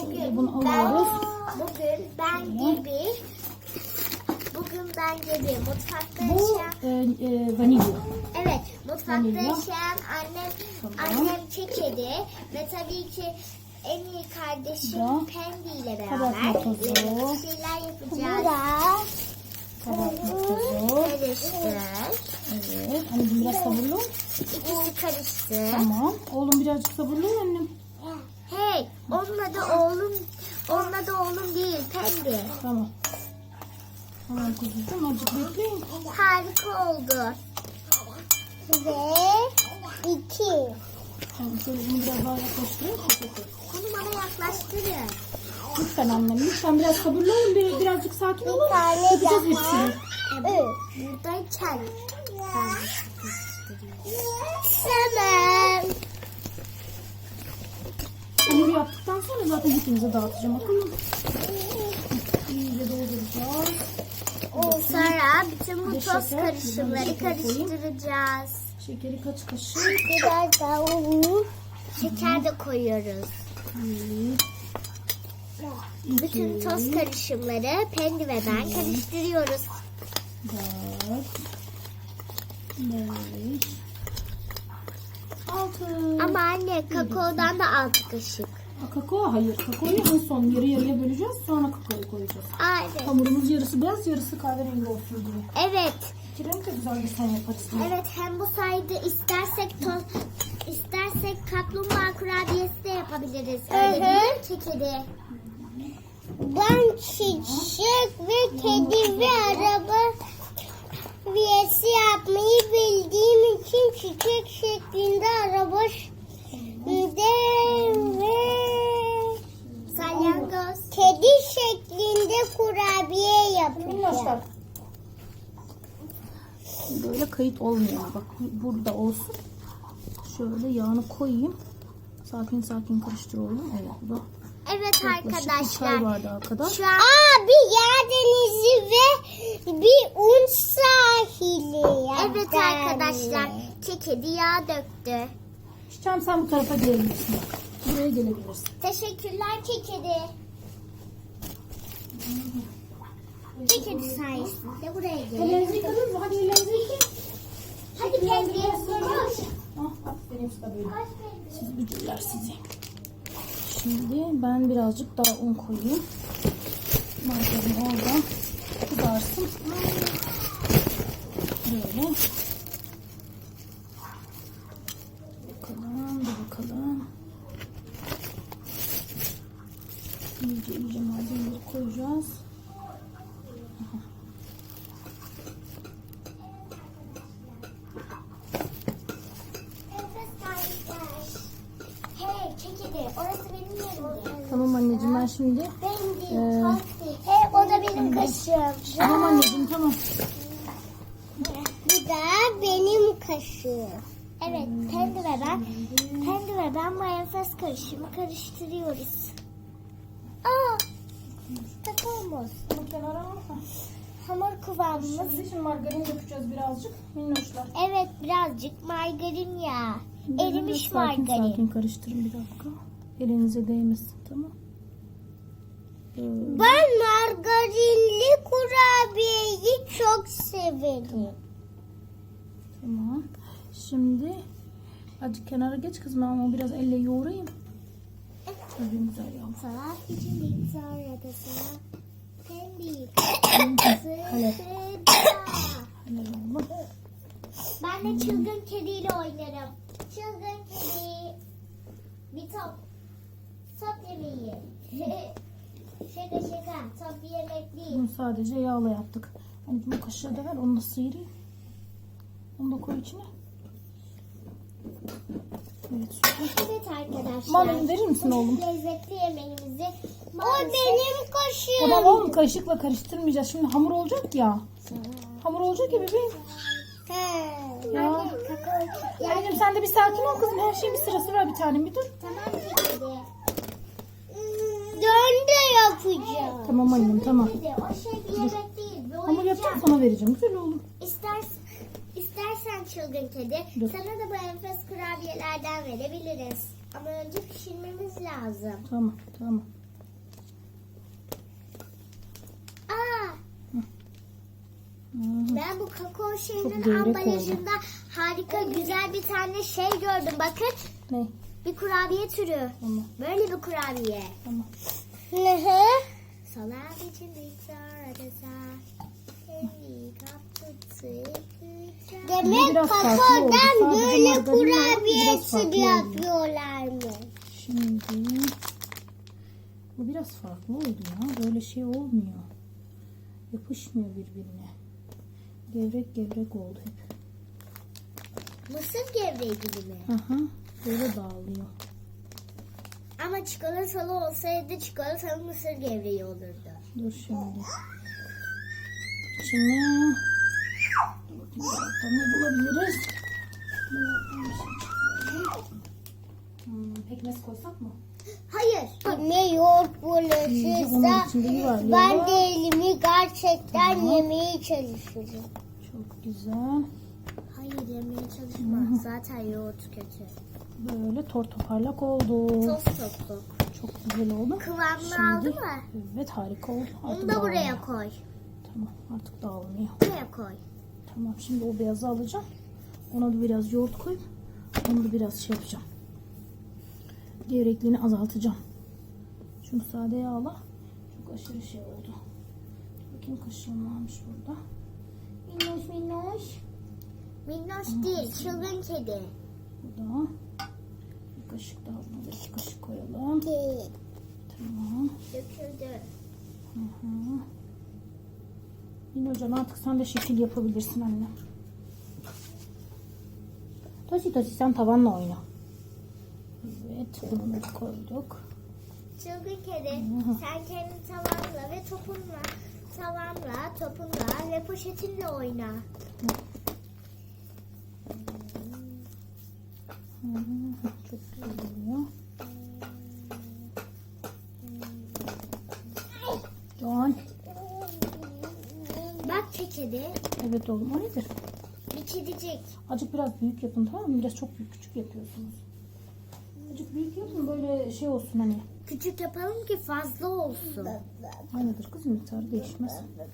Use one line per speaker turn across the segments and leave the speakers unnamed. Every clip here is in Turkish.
Bunu alıyoruz.
Bugün ben gibi mutfakta
Bu
yaşayan
vanilya.
evet mutfakta
vanilya.
yaşayan
Tamam.
annem Kekedi ve tabii ki en iyi kardeşim
Ya.
Pendi ile
Kabartma
beraber
tozu.
bir şeyler yapacağız.
Kabartma tozu.
Karıştır.
Evet. Anneciğim biraz sabırlı ol.
İkisi karıştı.
Tamam. Oğlum birazcık sabırlı ol annem.
Hey, onun adı oğlum değil, Pendi.
Tamam. Tamam kuzucuğum, azıcık bekleyin.
Harika oldu. Ve 2.
Tamam, şöyle bunu biraz daha yaklaştırayım.
Onu bana yaklaştırın.
Lütfen annem, lütfen biraz sabırlı olun. Birazcık sakin olun. Yapacağız hepsini.
Buradayken Tamam.
Hamuru yaptıktan sonra zaten hepinize dağıtacağım. Bakın. İyice dolduracağız.
Sonra bütün bu
Bir de
toz
şeker,
karışımları
bir de şeker koyayım.
karıştıracağız.
Şekeri kaç kaşık?
Biraz daha un. Şeker de koyuyoruz. Bütün toz karışımları Pendi ve ben karıştırıyoruz.
4 5 6.
Ama anne kakaodan da 6 kaşık.
Kakao hayır. Kakaoyu en son yarı yarıya böleceğiz. Sonra kakaoyu koyacağız.
Evet.
Hamurumuz yarısı beyaz, yarısı kahverengi olsun diye.
Evet.
İki renk de güzel bir sen yaparız.
Evet, hem bu sayede istersek kaplumbağa kurabiyesi de yapabiliriz. Öyle değil mi Kekedi? Ben çiçek ve kedi ve araba kurabiyesi yapmayı bildiğim için çiçek şeklinde araba ve salyangoz kedi şeklinde kurabiye yapacağım.
Arkadaşlar. Böyle kayıt olmuyor. Bak burada olsun. Şöyle yağını koyayım. Sakin sakin karıştır oğlum. Evet bu da.
Evet
Yaklaşık bir
arkadaşlar.
çay bardağı kadar.
Şu an bir yağ denizi ve bir un sahili. Evet arkadaşlar. Kekedi yağ döktü.
Çiçeğim sen bu tarafa gelebilirsin. Bak. Buraya gelebilirsin.
Teşekkürler Kekedi. Kekedi sayesinde buraya gel.
Ellerinizi yıkadınız mı? Hadi ellerinizi yıkayın.
Hadi Pendi. Koş.
Ah, aferin size böyle. Siz bücürler sizi. Şimdi ben birazcık daha un koyayım. Margarin orada kızarsın. Böyle. Bakalım, bir bakalım. İyice malzemeleri koyacağız.
Hey Kekedi, orası benim yerim.
Tamam anneciğim ben şimdi.
Hey, o da benim kaşığım.
Tamam anneciğim tamam.
Bu da benim kaşığım. Evet, Pendi ve ben mayonez karışımı karıştırıyoruz. Kakaomuz.
Bu kenara alma.
Hamur kıvamımız.
Şimdi margarin dökeceğiz birazcık. Minnoşlar.
Evet, birazcık margarin yağı. Erimiş
Sakin
margarin.
sakin karıştırın bir dakika. Elinize değmesin tamam.
Ben margarinli kurabiyeyi çok severim.
Tamam. Şimdi azıcık kenara geç kızım ama biraz elle yoğurayım. Tabii güzel ya.
Saat için sonra da sana Pendi.
Helal. Helal oğlum.
Ben de çılgın kediyle oynarım. Çılgın kedi. Bir top. Top yemeği. Şaka. Top bir yemek değil.
Bunu sadece yağla yaptık. Hani bu kaşığı da ver onu da sıyırayım. Onu da koy içine. Evet süper.
Evet arkadaşlar.
Mandalina verir misin oğlum?
Lezzetli yemeğimizi o benim kaşığım.
Tamam oğlum kaşıkla karıştırmayacağız. Şimdi hamur olacak ya. Hamur olacak ya bebeğim. Ya. Anneciğim sen de bir sakin ol kızım. Her şeyin bir sırası var bir tanem bir dur.
Tamam kedi. Dön de yapacağım.
Tamam annem tamam.
Kedi, o şey bir yemek değil. Bir
Hamur
oyuncak.
yapacağım sana vereceğim. Güzel oğlum.
İstersen çılgın kedi,
Dur.
sana da bu enfes kurabiyelerden verebiliriz. Ama önce pişirmemiz lazım.
Tamam tamam.
Ben bu kakao
Çok
şeyinin
gevrek
ambalajında harika güzel bir tane şey gördüm. Bakın.
Ne?
Bir kurabiye türü.
Tamam.
Böyle bir kurabiye.
Tamam.
Salam için Demek
Biraz farklı oldu.
kakaodan
Sadece
böyle
margarin var,
kurabiye
biraz farklı
türü
oldu.
yapıyorlarmış.
Şimdi bu biraz farklı oldu ya. Böyle şey olmuyor. Yapışmıyor birbirine. Gevrek gevrek oldu hep.
Mısır gevreği gibi mi?
Aha, böyle dağılıyor.
Ama çikolatalı olsaydı çikolatalı mısır gevreği olurdu.
Dur şimdi. Şimdi dur bakayım dolapta ne bulabiliriz? Pekmez koysak mı?
Hayır. Ne yoğurt
Onun
bulaşırsa
içinde yuvarlayalım.
ben de elimi gerçekten yemeye çalışırım.
Çok güzel.
Hayır yemeye çalışma. Zaten yoğurt kötü.
Böyle toparlak oldu.
Toz toplu.
Çok güzel oldu.
Kıvamını aldı mı?
Evet, harika oldu.
Onu
Artık
da buraya
dağılmıyor.
koy.
Tamam, artık dağılmıyor.
Buraya koy.
Tamam, şimdi o beyazı alacağım. Ona da biraz yoğurt koyup onu da biraz şey yapacağım. Gevrekliğini azaltacağım. Şunu sade yağla. Çok aşırı şey oldu. Bakayım kaşığım varmış burada. Minnoş minnoş.
Minnoş değil, çılgın kedi.
Burada. Bir kaşık daha, buna da 2 kaşık koyalım. Tamam.
Döküldü.
Hı. Yine hocam artık sen de şekil yapabilirsin anne. Tosi Tosi sen tavanla oyna. Evet, bunu da koyduk.
Çılgın kedi, sen kendi tavanla ve topunla, topunla ve poşetinle oyna.
Çok güzel oluyor. Doğan.
Bak kedi,
Evet oğlum, o nedir?
bir kedicik.
Azıcık biraz büyük yapın, tamam mı? Biraz çok büyük küçük yapıyorsunuz. Azıcık büyük yapın, böyle şey olsun hani.
Küçük yapalım ki fazla olsun.
Aynıdır kızım, miktarı değişmez.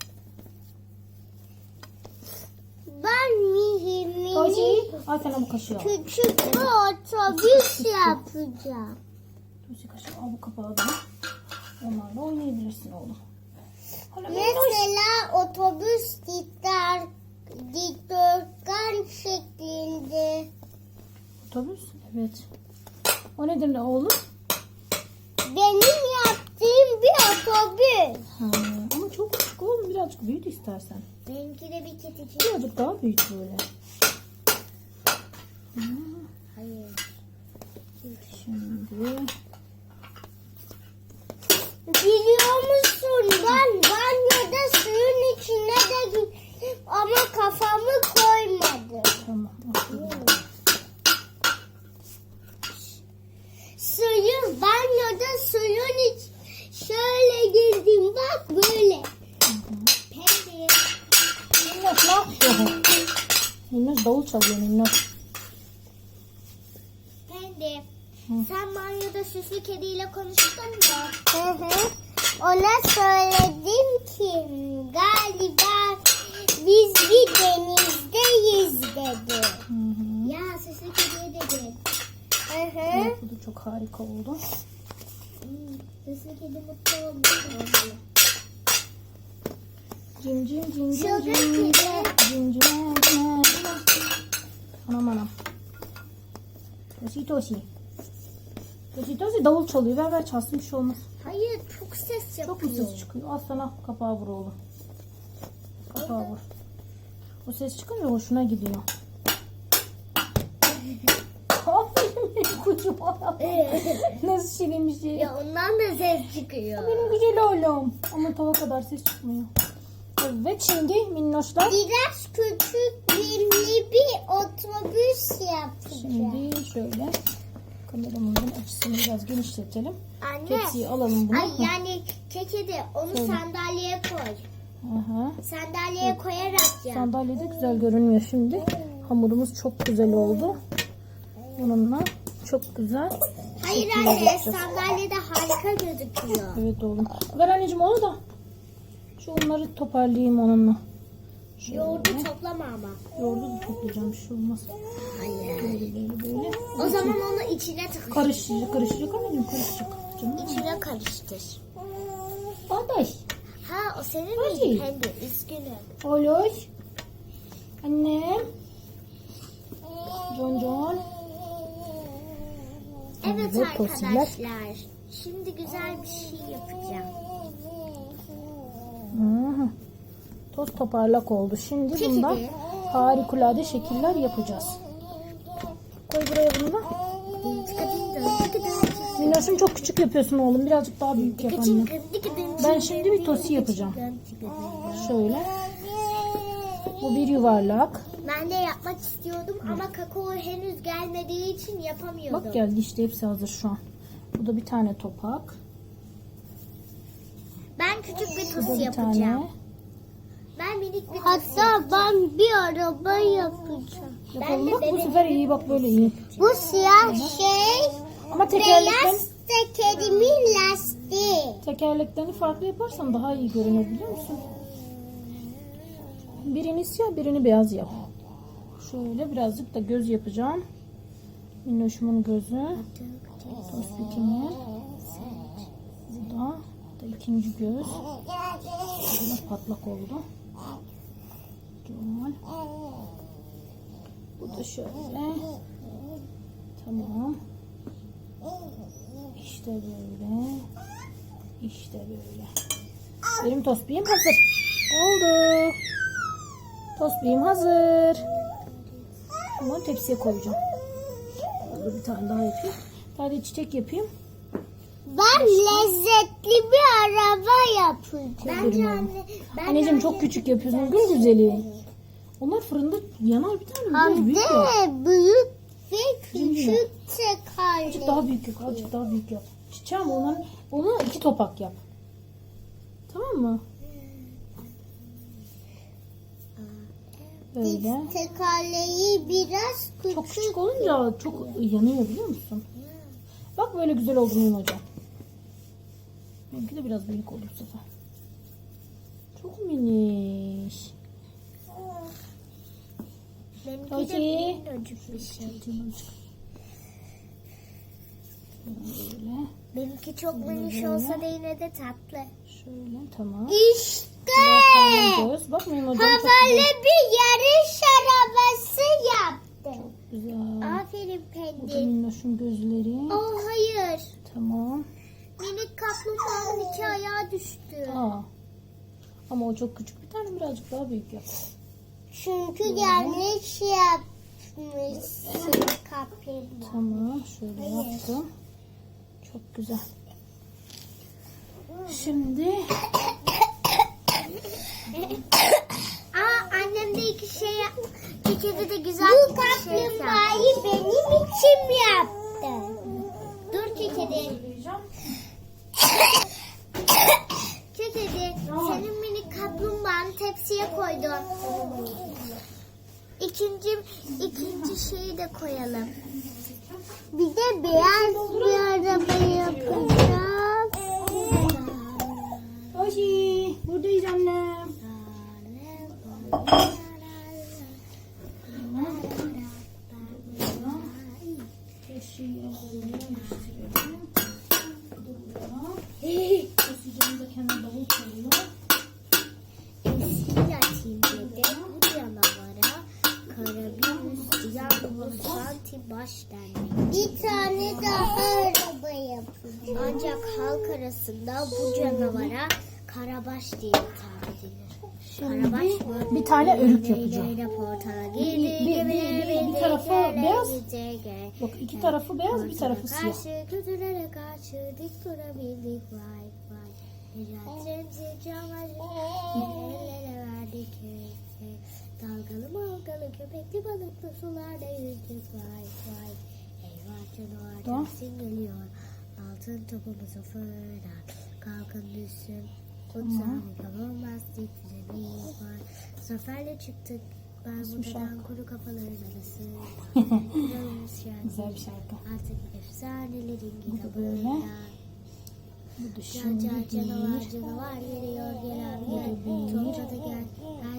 Ben mini
Tosi, al sana bu kaşığı al.
küçük bir otobüs yapacağım.
Tosi kaşığı al, bu kapağı da. Onlarla oynayabilirsin oğlum. Hala
Mesela otobüs dikdörtgen şeklinde.
otobüs, evet. O nedir ne oğlum?
Benim yaptığım bir otobüs.
Ha, ama çok küçük oğlum, birazcık büyüt istersen.
Benimki de bir kedicik.
Birazcık daha büyüt böyle.
Hayır.
Şimdi
Biliyor musun ben banyoda suyun içine de gittim ama kafamı koymadım.
tamam. aferin.
Banyoda suyun iç şöyle girdim bak böyle. Pembe.
Minnoş ne yapıyor? Minnoş davul çalıyor Minnoş.
Pembe. Sen banyoda süslü kediyle konuştun mu? Ona söyledim ki galiba biz bir denizdeyiz dedi. Ya süslü kediye dedim.
Evet, bu da çok harika oldu.
Süslü kedi mutlu oldu.
Cim cim cim cim
Çılgın
cim
kedi.
cim cim cim. Anam anam. Tosi Tosi. Tosi Tosi davul çalıyor. Ver ver çalsın, bir şey olmaz.
Hayır çok ses yapıyor.
Çok mu ses çıkıyor? Al sana kapağı vur oğlum. Kapağı vur. O ses çıkınca hoşuna gidiyor. Aferin benim kucuma. Nasıl şirin bir şey.
Ya ondan da ses çıkıyor.
Benim güzel oğlum. Ama tava kadar ses çıkmıyor. Evet, şimdi minnoşlar.
Biraz küçük bir otobüs yapacağım.
Şimdi şöyle kameramızın açısını biraz genişletelim.
Anne.
Tepsiyi alalım bunu.
Ay yani kekedi onu
Şöyle.
sandalyeye koy.
Aha.
Sandalyeye koyarak yap.
Sandalyede güzel görünmüyor şimdi. Hamurumuz çok güzel oldu. Bununla çok güzel.
Hayır
şekiller
anne
yapacağız.
sandalyede harika gözüküyor.
Evet oğlum. Ver anneciğim onu da. Şu unları toparlayayım onunla.
Yoğurdu toplama ama.
Yoğurdu da toplayacağım, bir şey olmaz.
Hayır.
Böyle.
O zaman onu içine tık.
Karışacak anneciğim, karışacak. Canım.
İçine karıştır.
Kardeş.
Ha o senin
Hadi.
miydi Pendi? Üzgünüm.
Olur. Annem. John.
Evet
Evet,
arkadaşlar. Şimdi güzel bir şey yapacağım.
Hı. Toz toparlak oldu. Şimdi
Çekil.
bundan harikulade şekiller yapacağız. Koy buraya bunu da. Minnoş'um çok küçük yapıyorsun oğlum. Birazcık daha büyük yap anne. Ben şimdi bir tosi yapacağım. Şöyle. Bu bir yuvarlak.
Ben de yapmak istiyordum ama kakao henüz gelmediği için yapamıyordum.
Bak geldi işte, hepsi hazır şu an. Bu da bir tane topak.
Ben küçük bir
Bu da
tosi
bir
yapacağım.
tane.
Ben minik bir hatta ben bir araba yapacağım.
Yapalım bak, bu sefer iyi, bak böyle iyi.
Bu siyah şey
Ama tekerleklerini
tekerimin lastiği.
farklı yaparsan daha iyi görünür, biliyor musun? Birini siyah, birini beyaz yap. Şöyle birazcık da göz yapacağım. Minnoşumun gözü. Tospikimi. Bu da ikinci göz. Biraz patlak oldu. Güzel. Bu da şöyle. Tamam. İşte böyle. İşte böyle. Benim tospiğim hazır. Oldu. Tospiğim hazır. Bunu tepsiye koyacağım. Bir tane daha yapayım. Bir tane çiçek yapayım.
Ben lezzetli bir araba yapacağım.
Bence anneciğim çok küçük yapıyorsun. Gül güzeli. Onlar fırında yanar, bir tane biraz büyük yap.
Büyük ve
küçük
tekerlek.
Azıcık daha büyük yap. Azıcık daha büyük yap. Çiçeğim onu 2 topak yap. Tamam mı? Böyle.
Tekerleği biraz küçük.
Çok küçük olunca çok yanıyor, biliyor musun? Bak böyle güzel oldu benim hocam. Benimki de biraz büyük oldu bu sefer. Çok miniş.
Benimki de
Hadi.
minicik bir şey.
Böyle.
Benimki çok miniş olsa da yine de tatlı.
Şöyle, tamam.
İşte
Tamam göz. Bak benim hocam çok
havalı bir yarış arabası yaptım.
güzel.
Aferin
Bu da
Pendi.
minnoşun gözleri.
Oh hayır.
Tamam.
Minik kaplumbağanın 2 ayağı düştü.
Aa. Ama o çok küçük. Bir tane birazcık daha büyük yap.
Çünkü yanlış yapmışsın kaplumbağa.
Tamam. Şöyle yaptım. Çok güzel. Şimdi
Annem de 2 şey yaptı. Kekede de güzel bu kaplumbağayı benim için yaptı. Dur Kekede. Kekede senin minik kaplumbağanı tepsiye koydum. İkinci şeyi de koyalım. Bir de beyaz bir araba yapacağım.
Oji, buradayız annem.
Baş denmek. Bir tane daha araba yapacağım. Ancak halk arasında bu canavara karabaş diye hitap edilir. Karabaş mı?
Bir tane örük yapacağım.
Bir
tarafı beyaz. Bak 2 tarafı beyaz, bir tarafı siyah.
Karşı kötülere karşı dik durabildik vay vay. Mücadelemizi ellere verdik hey hey. Dalgalı malgalı köpekli balıklı sularda yüzdük vay vay. Eyvah canavar
Tamam.
dersin geliyor. Altın topumuzu fırlat. Kalkın düşsün. Utanık olmaz titremiz var. Zaferle çıktık. Ben buradan kuru kafaların arası.
Güzel bir şarkı.
Artık efsanelerin
Bu da böyle.
kitabında.
Bu da şimdi
Canavar geliyor gelen gel. Tonca da gel. Her yeri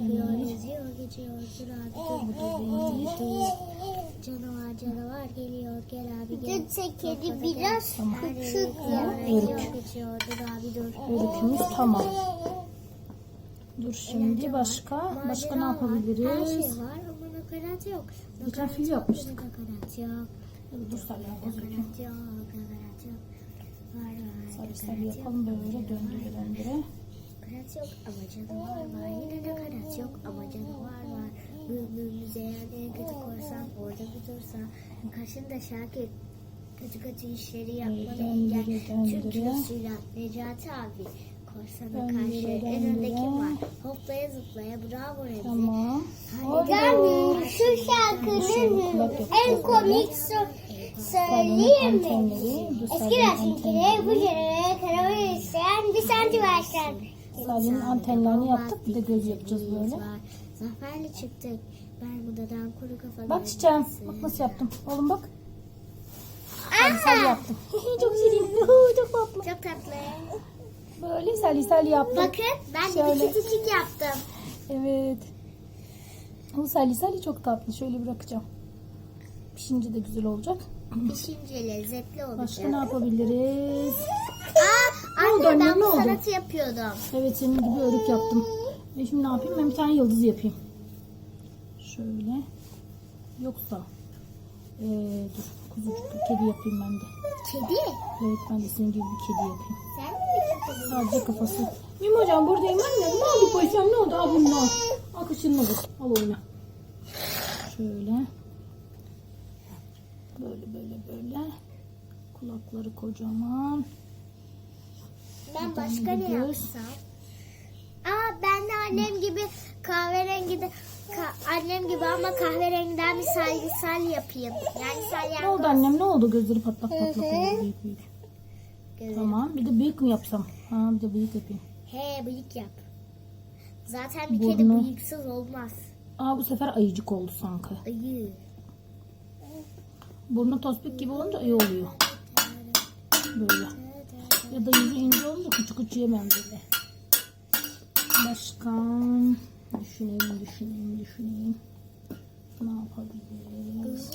Kokuyor, geziyor, geçiyor. Dur abi dur. Canavar canavar geliyor. Gel abi gel.
Kedi biraz küçük ya.
Geçiyor. Dur abi dur.
Örükümüz tamam. Dur şimdi başka ne
Her şey
yapabiliriz?
var ama nakarat yok.
Geçen fil yapmıştık.
Nakarat yok.
Dur salyangoz yapayım.
Nakarat yok. Nakarat yok. Var var.
Sarı sarı yapalım böyle döndüre döndüre.
Nakarat yok ama canavar var. Yine nakarat yok ama canavar var. Büyüklüğümüze eğer en kötü korsan orada bir dursa. Karşında Şakir kötü işleri yapmanı engel. Tüm kilosuyla Necati abi. Korsana karşı en öndeki var. Hoplaya zıplaya bravo Remzi.
Tamam.
Ben şu şarkının en komik söyleyeyim mi? Eski resimleri bu jenere karar isteyen bir santim ağaçlar.
Salyanın antenlerini yaptık. Bir de göz yapacağız böyle.
Zaferle çıktık. Bermuda'dan kuru kafalar.
Bak çiçeğim. Bak nasıl yaptım. Oğlum bak. Sal yaptım. Çok şirin. Çok tatlı.
Çok tatlı.
Böyle sali yaptım.
Bakın ben de
Şöyle.
bir küçücük yaptım.
Evet. Bu sali çok tatlı. Şöyle bırakacağım. Pişince de güzel olacak.
Pişince lezzetli olacak.
Başka ne yapabiliriz?
Anne
anne,
ben
ne
bu
oldu?
sanatı yapıyordum.
Evet senin gibi örük yaptım. Şimdi ne yapayım? Ben bir tane yıldız yapayım. Şöyle. Yoksa dur kuzucuk kedi yapayım ben de.
Kedi?
Evet ben de senin gibi bir kedi yapayım.
Sen mi kedi?
Sadece kafası. Mim hocam buradayım anne. Ne oldu koysam ne oldu? Al bunu al. Al kaşığını vur. Al oyna. Şöyle. Böyle. Kulakları kocaman.
Ben
Bir
başka
tane
ne
de göz.
yapsam? Ben de annem gibi kahverengi de annem gibi ama kahverengiden bir sal yapayım. Yani
Ne oldu
salyangoz.
annem ne oldu? Gözleri patlak oldu büyük.
Gözü.
Tamam bir de bıyık mı yapsam? Ha bir de bıyık yapayım.
He bıyık yap. Zaten bir kedi
Burnu.
bıyıksız olmaz.
Bu sefer ayıcık oldu sanki.
Ayı.
Burnu tospik gibi olunca iyi oluyor. Böyle. Ya da yüzü ince olunca küçük yemem böyle. Başka düşüneyim. Ne yapabiliriz?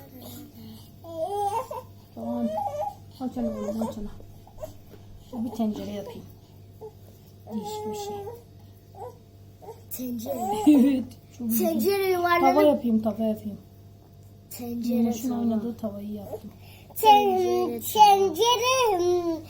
Tamam. Aç ana oğlum aç ana. Bir tencere yapayım. Değişik bir şey.
Tencere.
Evet. Çok güzel.
Tencere
Tava
yuvarlanıp.
yapayım.
Tencere
Minnoş'un
tava.
oynadığı tavayı yaptım.
Tencere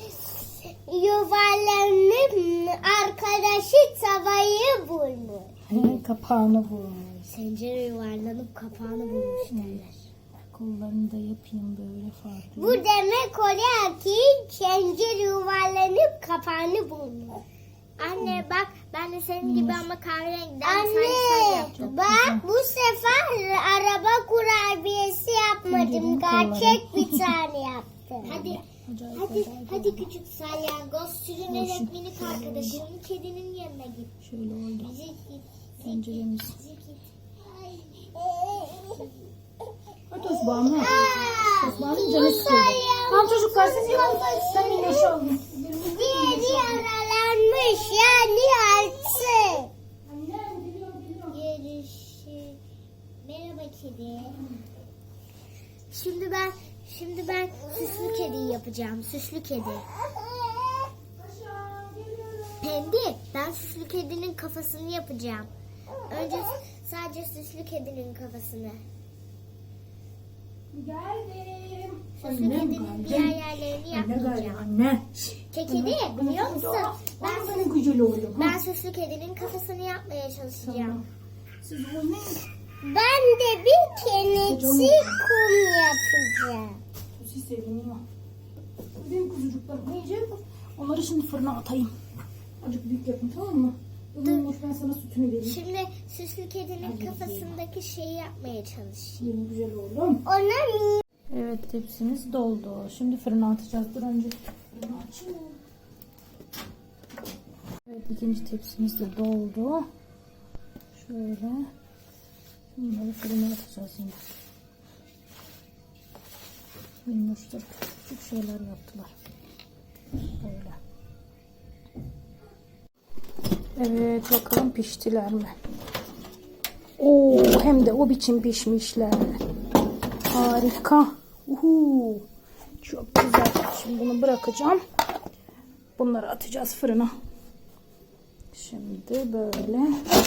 yuvarlanıp arkadaşı tavayı bulmuş.
Kapağını vurmuş.
Tencere yuvarlanıp kapağını bulmuş derler.
Kollarını da yapayım böyle farklı.
Bu demek oluyor ki tencere yuvarlanıp kapağını bulmuş.
Anne bak ben de senin gibi ama kahverengiden
Anne
yaptım.
bak bu sefer araba kurabiyesi yapmadım. Gerçek bir tane yaptım.
Hadi küçük salyangoz sürünerek minik arkadaşının kedinin yanına git.
Şöyle oldu.
Bizi git.
Tenceremiz.
Bizi git.
Hadi Osman'ım. Osman'ın canı sıkıldı. Tamam çocuklar siz yapın. Sen Minnoş'u alın.
Diğeri yaralanmış yani altı.
Görüşürüz. Merhaba kedi. Şimdi ben süslü kediyi yapacağım. Süslü kedi. Pendi, ben süslü kedinin kafasını yapacağım. Önce sadece süslü kedinin kafasını.
Geldim.
Süslü kedinin diğer yerlerini yapmayacağım.
Anne.
Kedi biliyor musun?
Ben senin gücüyle oldum.
Ben süslü kedinin kafasını yapmaya çalışacağım.
Siz oynayın.
Ben de bir kenetsi kum yapacağım.
Siz seviniyor. Benim kuzucuklarım yiyecek. Onları şimdi fırına atayım. Azıcık büyük yapın tamam mı? Dur. Ben sana sütünü vereyim.
Şimdi süslü kedinin kafasındaki şeyi yapmaya çalışayım.
Yeni güzel oğlum.
Ona
Evet tepsimiz doldu. Şimdi fırına atacağız. Dur önce fırını açayım. Evet ikinci tepsimiz de doldu. Şöyle. Bunları fırına atacağız yine. Minnoşlar küçük şeyler yaptılar. Böyle. Evet bakalım piştiler mi? Oo, hem de o biçim pişmişler. Harika. Uhu. Çok güzel. Şimdi bunu bırakacağım. Bunları atacağız fırına. Şimdi böyle.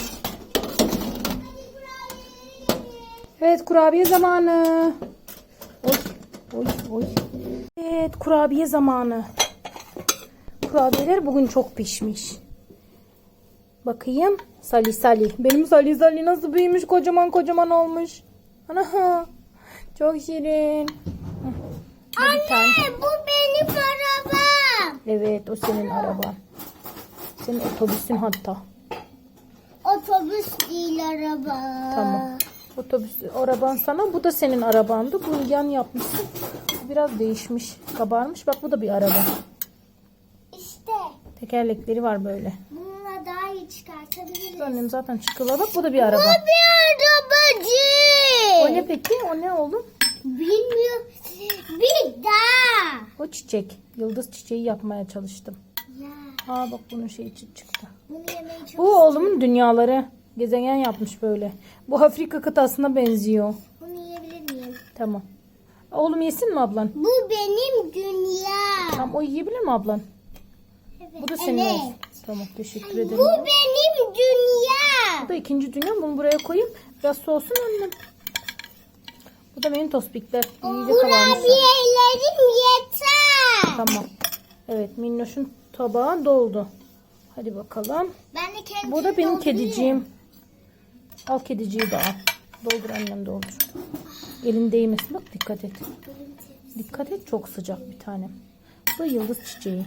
Evet, kurabiye zamanı. Oy, oy, oy. Evet, kurabiye zamanı. Kurabiyeler bugün çok pişmiş. Bakayım. Sali Sali. Benim Sali Sali nasıl büyümüş, kocaman kocaman olmuş. Ana, çok şirin.
Anne bu benim arabam.
Evet, o senin araban. Senin otobüsün hatta.
Otobüs değil araba.
Tamam. Otobüs araban sana. Bu da senin arabandı. Bunu yan yapmışsın. Biraz değişmiş. Kabarmış. Bak, bu da bir araba.
İşte
Tekerlekleri var böyle.
bununla daha iyi çıkartabiliriz.
Annem zaten çıkıyor. Bak, bu da bir araba.
Bu bir arabacı.
O ne peki? O ne oğlum?
Bilmiyorum. Bir daha.
O çiçek. Yıldız çiçeği yapmaya çalıştım.
Ya
Aa, bak bunun şeyi çıktı.
bunu yemeyi çok
Bu oğlumun dünyaları. Gezegen yapmış böyle. Bu Afrika kıtasına benziyor.
Bunu yiyebilir miyim?
Tamam. Oğlum yesin mi ablan?
Bu benim dünya.
Tamam, o yiyebilir mi ablan?
Evet.
Bu da senin
Evet.
olsun. Tamam, teşekkür ederim.
Bu benim dünya.
Bu da ikinci dünya. Bunu buraya koyayım. Biraz soğusun annem. Bu da benim tospikler. İyice kabarmışlar.
Kurabiyelerim yeter.
Tamam. Evet, Minnoş'un tabağı doldu. Hadi bakalım.
Ben de kendim
Bu da benim kediciğim. Al kediciyi de al. Doldur annem, doldur. Elin değmesin, bak, dikkat et. Dikkat et, çok sıcak bir tanem. Bu da yıldız çiçeği.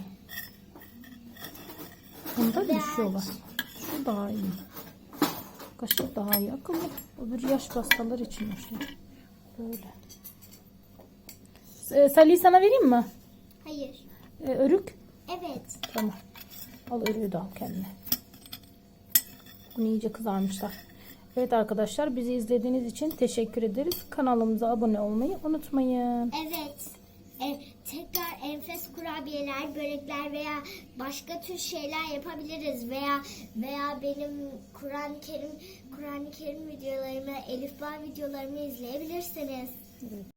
Bunda düşüyorlar. Şu daha iyi. Kaşık daha iyi. Akıllı. Öbür yaş hastalar için işte. Böyle. Salih sana vereyim mi?
Hayır.
Örük.
Evet.
Tamam. Al, örüğü de al kendine. Bunu iyice kızarmışlar. Evet arkadaşlar, bizi izlediğiniz için teşekkür ederiz. Kanalımıza abone olmayı unutmayın.
Evet. Tekrar enfes kurabiyeler, börekler veya başka tür şeyler yapabiliriz veya benim Kur'an-ı Kerim videolarımı, Elif Bağ videolarımı izleyebilirsiniz.
Evet.